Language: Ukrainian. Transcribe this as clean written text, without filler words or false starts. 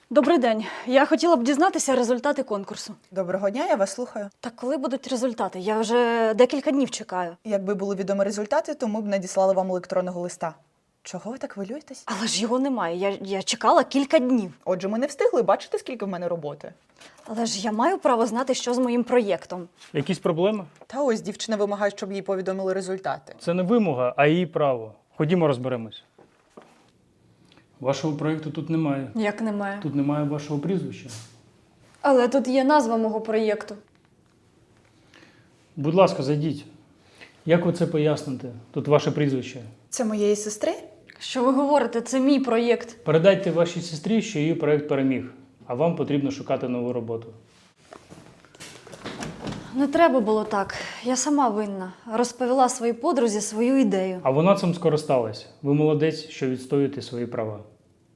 Добрий день. Я хотіла б дізнатися результати конкурсу. Доброго дня, я вас слухаю. Так коли будуть результати? Я вже декілька днів чекаю. Якби були відомі результати, то ми б надіслали вам електронного листа. Чого ви так хвилюєтесь? Але ж його немає. Я чекала кілька днів. Отже, ми не встигли. Бачите, скільки в мене роботи? Але ж я маю право знати, що з моїм проєктом. Якісь проблеми? Та ось дівчина вимагає, щоб їй повідомили результати. Це не вимога, а її право. Ходімо розберемось. Вашого проєкту тут немає. Як немає? Тут немає вашого прізвища. Але тут є назва мого проєкту. Будь ласка, зайдіть. Як ви це поясните? Тут ваше прізвище. Це моєї сестри? Що ви говорите? Це мій проєкт. Передайте вашій сестрі, що її проєкт переміг, а вам потрібно шукати нову роботу. Не треба було так. Я сама винна. Розповіла своїй подрузі свою ідею. А вона цим скористалась. Ви молодець, що відстоюєте свої права.